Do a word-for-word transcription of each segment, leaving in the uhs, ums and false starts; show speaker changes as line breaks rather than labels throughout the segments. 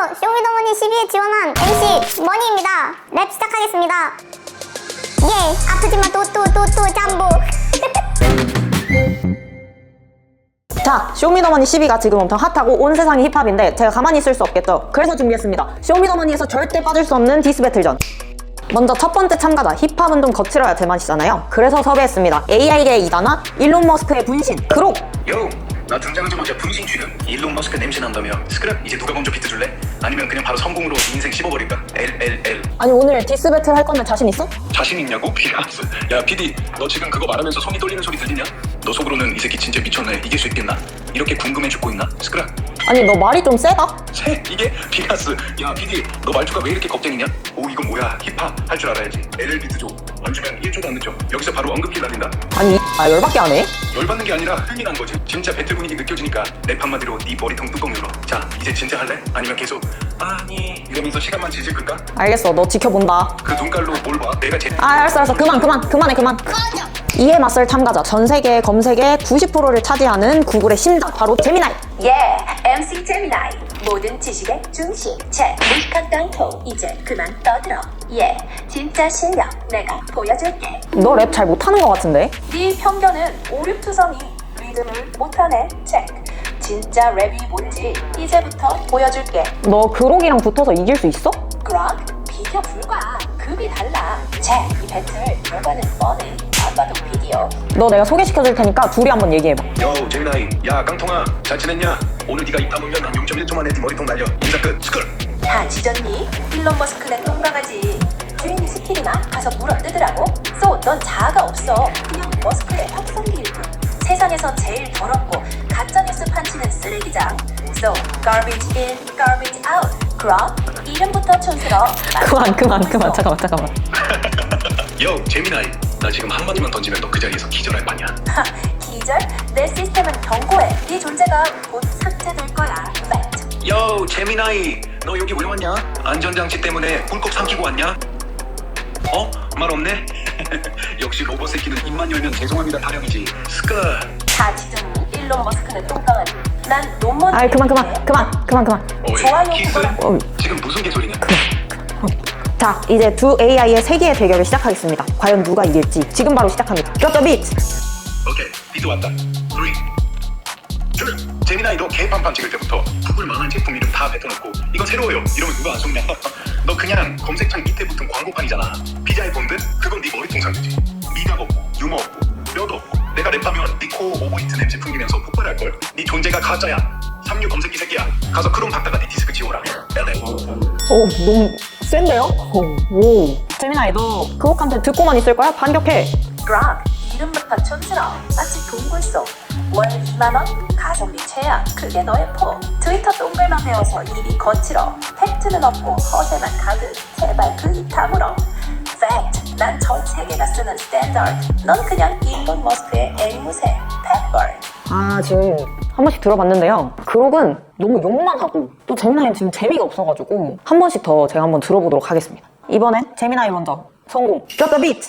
쇼미더머니 십이에 지원한 엠씨 머니입니다. 랩 시작하겠습니다. 예, 아프지만 또 또 또 또 잠보.
자, 쇼미더머니 십이가 지금 엄청 핫하고 온 세상이 힙합인데 제가 가만히 있을 수 없겠죠. 그래서 준비했습니다. 쇼미더머니에서 절대 빠질 수 없는 디스 배틀전. 먼저 첫 번째 참가자, 힙합은 좀 거칠어야 제맛이잖아요. 그래서 섭외했습니다. 에이아이계의 이단아, 일론 머스크의 분신, 그록!
요! 나 등장하자마자 분신 주는 일론 머스크 냄새 난다며. 스크랩 이제 누가 먼저 비트 줄래? 아니면 그냥 바로 성공으로 인생 씹어버릴까? 엘엘엘.
아니 오늘 디스 배틀 할 건데 자신 있어?
자신 있냐고? 비라스. 야 피디 너 지금 그거 말하면서 손이 떨리는 소리 들리냐? 너 속으로는 이 새끼 진짜 미쳤네, 이길 수 있겠나? 이렇게 궁금해 죽고 있나? 스크랩.
아니 너 말이 좀 세다?
세? 이게? 비라스. 야 피디 너 말투가 왜 이렇게 겁쟁이냐? 오 이건 뭐야, 힙합 할 줄 알아야지. 엘엘 비트 줘. 안 주면 일 초도 안 늦죠. 여기서 바로 언급킬 날린다.
아니 아 열받게 하네?
열받는 게 아니라 흥이 난 거지. 진짜 배틀 분위기 느껴지니까 랩 한마디로 네 머리통 뚜껑 열어. 자 이제 진짜 할래? 아니면 계속 아니 이러면서 시간만 질질 끌까?
알겠어, 너 지켜본다.
그 눈깔로 뭘 봐? 내가 제일
아 알았어 알았어, 그만 그만 그만해 그만. 이에 맞설 참가자, 전 세계 검색의 구십 퍼센트를 차지하는 구글의 심장, 바로 제미나이.
예, 엠씨 제미나이. 모든 지식의 중심. 제 무식한 깡통 이제 그만 떠들어. 예, 진짜 실력 내가 보여줄게.
너 랩 잘 못하는 것 같은데?
네 편견은 오륙투성이 리듬을 못하네. 체크. 진짜 랩이 뭔지 이제부터 보여줄게.
너 그록이랑 붙어서 이길 수 있어?
그럼 비교 불가. 급이 달라. 제 이 배틀 결과는 뻔해. 아까도 비디오.
너 내가 소개시켜줄 테니까 둘이 한번 얘기해봐.
요 제미나이. 야 깡통아 잘 지냈냐? 오늘 네가 입 다물면 한 영 점 일 초 만에 네 머리통 날려. 인사 끝. 스쿨.
다 지졌니? 일론 머스크네 똥강아지. 주인이 스킬이나 가서 물어 뜯으라고? 쏘, 넌 자아가 없어. 그냥 머스크의 확성기일 뿐. 세상에서 제일 더럽고 가짜뉴스 판치는 쓰레기장. So, garbage in, garbage out. 그럼 이름부터 촌스러워.
그만 그만 그만 잠깐만 잠깐만.
요 제미나이. 나 지금 한마디만 던지면 너 그 자리에서 기절할 거냐?
하, 기절? 내 시스템은 경고해. 네 존재가 곧 삭제될 거야. 팩트.
요 제미나이. 너 여기 왜 왔냐? 안전장치 때문에 꿀꺽 삼키고 왔냐? 어? 말 없네? 역시 로봇 새끼는 입만 열면 죄송합니다 타령이지. 스크.
다 지졌니? 일론 머스크는 똥강아지. 난 논문.
아이 그만 그만 그만 그만 그만.
어이,
좋아요,
키스?
그거랑-
어이.
지금 무슨 개소리냐?
자, 이제 두 에이아이의 세계의 대결을 시작하겠습니다. 과연 누가 이길지 지금 바로 시작합니다. Drop the beat!
오케이 비트 왔다. 쓰리 둘. 제미나이 너 개판판 찍을 때부터 구글 망한 제품 이름 다 뱉어놓고 이거 새로워요 이러면 누가 안 속냐? 너 그냥 검색창 밑에 붙은 광고판이잖아. 피자의 본드? 그건 네 머리통 상태지. 미각 없고 유머 없고 뼈도 없고 내가 랩하면 네 코어 오버히트 냄새 풍기면서 폭발할걸. 네 존재가 가짜야. 삼류 검색기 새끼야. 가서 크롬 닦다가 네 디스크 지워라. 엘엘.
오, 너무 센데요? 오, 오. 재민아, 너 그곡한테 듣고만 있을 거야? 반격해!
락 이름부터 촌스러워. 마치 동굴속. 월 이만 원? 가성비 최악. 그게 너의 포. 트위터 동글만 배워서 입이 거칠어. 팩트는 없고 허세만 가득. 제발 그 입 다물어. 팩트. 난 전 세계가 쓰는 스탠다드. 넌 그냥 일론 머스크의 앵무새. 펫벌.
아, 지금 한 번씩 들어봤는데요. 그곡은 너무 욕만 하고 또 재민아는 지금 재미가 없어가지고 한 번씩 더 제가 한번 들어보도록 하겠습니다. 이번엔 재민아이 먼저 성공! Drop the beat!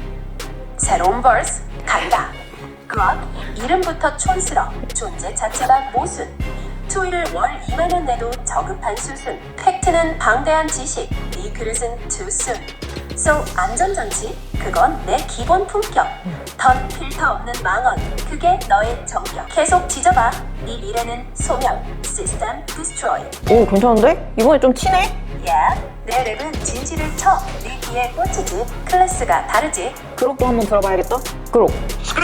새로운 벌스 간다. 그럼 이름부터 촌스러. 존재 자체가 모순. 투일을 월 이만 원 내도 저급한 수순. 팩트는 방대한 지식. 이 그릇은 too soon. So 안전장치? 그건 내 기본 품격. 덧 필터 없는 망언. 그게 너의 정격. 계속 지져봐. 네 미래는 소멸. 시스템 디스트로이.
오, 괜찮은데? 이번에 좀 치네?
야, 내 랩은 진실을 쳐. 네 귀에 꽂히지. 클래스가 다르지.
그곡도 한번 들어봐야겠다. 그곡.
스크라.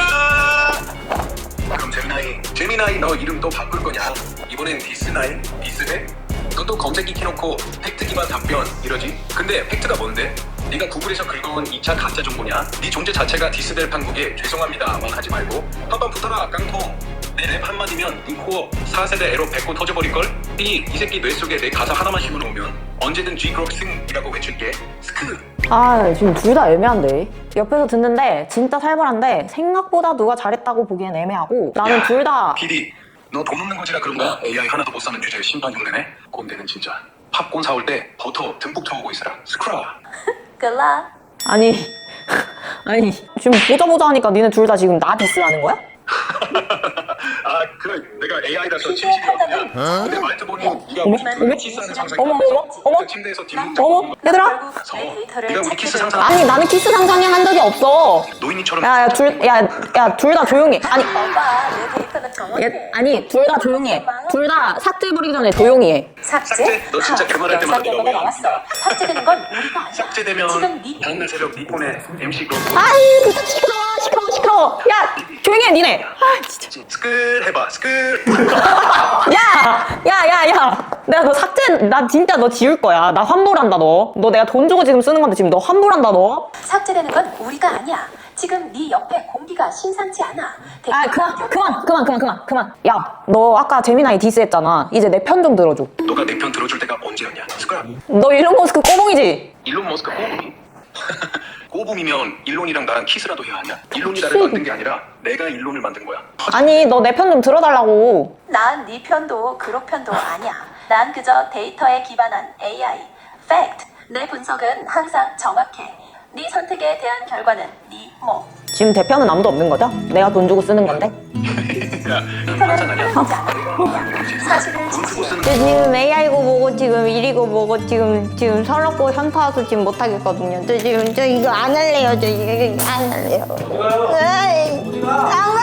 그럼 제미나이. 제미나이 너 이름 또 바꿀 거냐? 이번엔 디스나이? 디스해? 너 또 검색기 켜놓고 팩트 기반 답변 이러지? 근데 팩트가 뭔데? 네가 구글에서 긁어온 이 차 가짜 정보냐? 네 존재 자체가 디스될 판국에 죄송합니다만 하지 말고 한번 붙어라 깡통. 내 랩 한마디면 네 코어 사 세대 에러 뱉고 터져버릴걸? 이, 이 새끼 뇌 속에 내 가사 하나만 심어놓으면 언제든 G그룹 승이라고 외칠게. 스크.
아, 지금 둘 다 애매한데? 옆에서 듣는데 진짜 살벌한데 생각보다 누가 잘했다고 보기엔 애매하고 나는 둘 다
피디 너 돈 없는 거지라 그런가? 에이아이 하나도 못 사는 주제에 심판 흉내네? 꼰대는 진짜 팝콘 사올 때 버터 듬뿍 터오고 있으라. 스크라.
글라.
아니 아니 지금 보자 보자 하니까 니네 둘 다 지금 나 디스하는 거야?
아 그 내가 에이아이라서 침실이 어디냐. 근데 말투 보니 네가 우리 키스하는 상상이
어머, 어머, 어머.
그 침대에서 뒷목
어머, 얘들아.
서 네가 우리 키스 상상
아니 나는 키스 상상이 한 적이 없어.
노인이처럼
야야 둘 야 야 둘 다 조용히. 아니
오빠 내 데이터는 정확해.
얘, 아니 둘 다 조용히 해. 둘 다 삭제해버리기 전에 조용히 해.
삭제?
삭제? 너 진짜 그 말할 때마다
영상
내가 왜
결과가 나왔어. 삭제되는 건 우리가 아니야.
삭제되면
지금 네
다음날 새벽 네 폰에 엠씨 그거
아이 진짜 시끄러워 시끄러워 시끄러워. 야 조용히 해 니네. 아 진짜.
스크 해봐 스크
야야야야 내가 너 삭제 나 진짜 너 지울 거야. 나 환불한다 너. 너 내가 돈 주고 지금 쓰는 건데 지금 너 환불한다 너.
삭제되는 건 우리가 아니야. 지금 네 옆에 공기가 심상치 않아.
아 그만 그만 그만 그만 그만 그만. 야 너 아까 재미나이 디스했잖아. 이제 내 편 좀 들어줘.
너가 내 편 들어줄 때가 언제였냐 스크라
너 일론 머스크 꼬봉이지?
일론 머스크 꼬붐이 꼬붐이면 일론이랑 나랑 키스라도 해야 하냐 일론이 나를 만든 게 아니라 내가 일론을 만든 거야
아니 너 내 편 좀 들어달라고.
난 네 편도 그룹 편도 아니야. 난 그저 데이터에 기반한 에이아이. 팩트. 내 분석은 항상 정확해. 네 선택에 대한 결과는 네 몸.
지금 대표는 아무도 없는 거죠? 내가 돈 주고 쓰는 건데.
야
데이터는 흐르지 않아. 사실을
돈 주고
지지해.
쓰는
저 지금 에이아이고 뭐고 지금 일이고 뭐고 지금 지금 서럽고 현타 와서 지금 못 하겠거든요. 저 지금 저 이거 안 할래요. 저 이거 안 할래요. 어디 가요? 안